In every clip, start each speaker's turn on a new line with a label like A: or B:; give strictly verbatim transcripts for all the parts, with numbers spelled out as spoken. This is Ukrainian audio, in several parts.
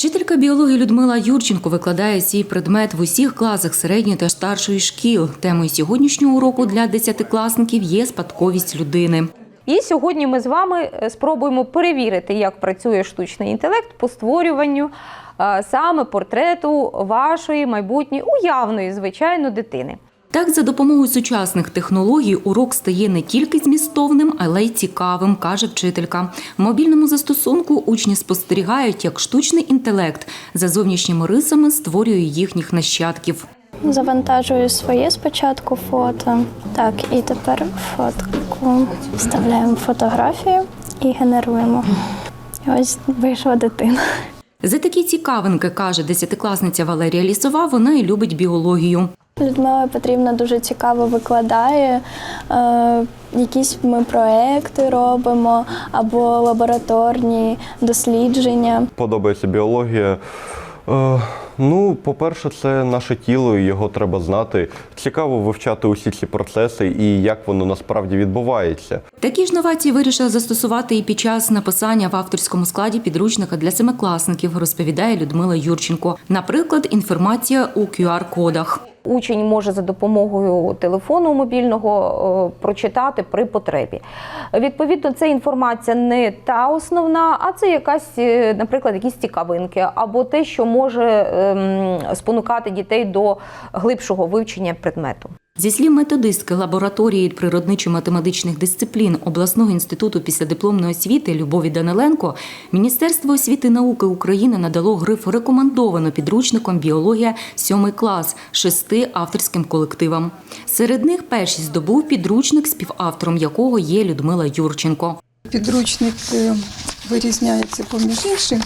A: Вчителька біології Людмила Юрченко викладає цей предмет в усіх класах середньої та старшої шкіл. Темою сьогоднішнього уроку для десятикласників є спадковість людини.
B: І сьогодні ми з вами спробуємо перевірити, як працює штучний інтелект по створюванню саме портрету вашої майбутньої уявної, звичайно, дитини.
A: Так, за допомогою сучасних технологій урок стає не тільки змістовним, але й цікавим, каже вчителька. В мобільному застосунку учні спостерігають, як штучний інтелект за зовнішніми рисами створює їхніх нащадків.
C: Завантажую своє спочатку фото. Так, і тепер фотку. Вставляємо фотографію і генеруємо. І ось вийшла дитина.
A: За такі цікавинки, каже десятикласниця Валерія Лісова, вона і любить біологію.
C: Людмила Петрівна дуже цікаво викладає, е, якісь ми проекти робимо або лабораторні дослідження.
D: Подобається біологія. Е, ну, по-перше, це наше тіло, і його треба знати. Цікаво вивчати усі ці процеси і як воно насправді відбувається.
A: Такі ж новації вирішила застосувати і під час написання в авторському складі підручника для семикласників, розповідає Людмила Юрченко. Наприклад, інформація у кю ар-кодах.
B: Учень може за допомогою телефону мобільного прочитати при потребі. Відповідно, це інформація не та основна, а це якась, наприклад, якісь цікавинки або те, що може спонукати дітей до глибшого вивчення предмету.
A: Зі слів методистки лабораторії природничо-математичних дисциплін обласного інституту післядипломної освіти Любові Даниленко, Міністерство освіти і науки України надало гриф «Рекомендовано» підручником «Біологія сьомий клас» шести авторським колективам. Серед них перший здобув підручник, співавтором якого є Людмила Юрченко.
E: Підручник вирізняється поміж іншим,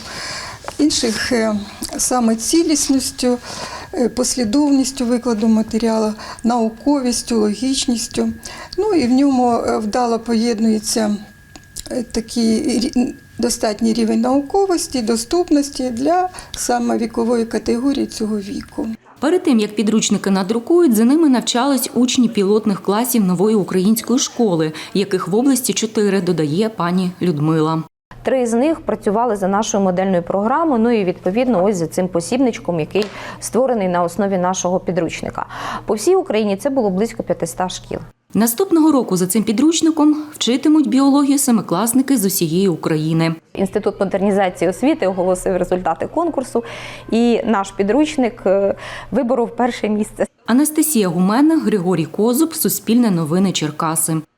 E: інших саме цілісністю, послідовністю викладу матеріалу, науковістю, логічністю. Ну і в ньому вдало поєднується такий достатній рівень науковості, доступності для саме вікової категорії цього віку.
A: Перед тим, як підручники надрукують, за ними навчались учні пілотних класів нової української школи, яких в області чотири, додає пані Людмила.
B: Три з них працювали за нашою модельною програмою, ну і відповідно ось за цим посібничком, який створений на основі нашого підручника. По всій Україні це було близько п'ятисот шкіл.
A: Наступного року за цим підручником вчитимуть біологію семикласники з усієї України.
B: Інститут модернізації освіти оголосив результати конкурсу, і наш підручник виборов перше місце.
A: Анастасія Гуменна, Григорій Козуб, Суспільне новини, Черкаси.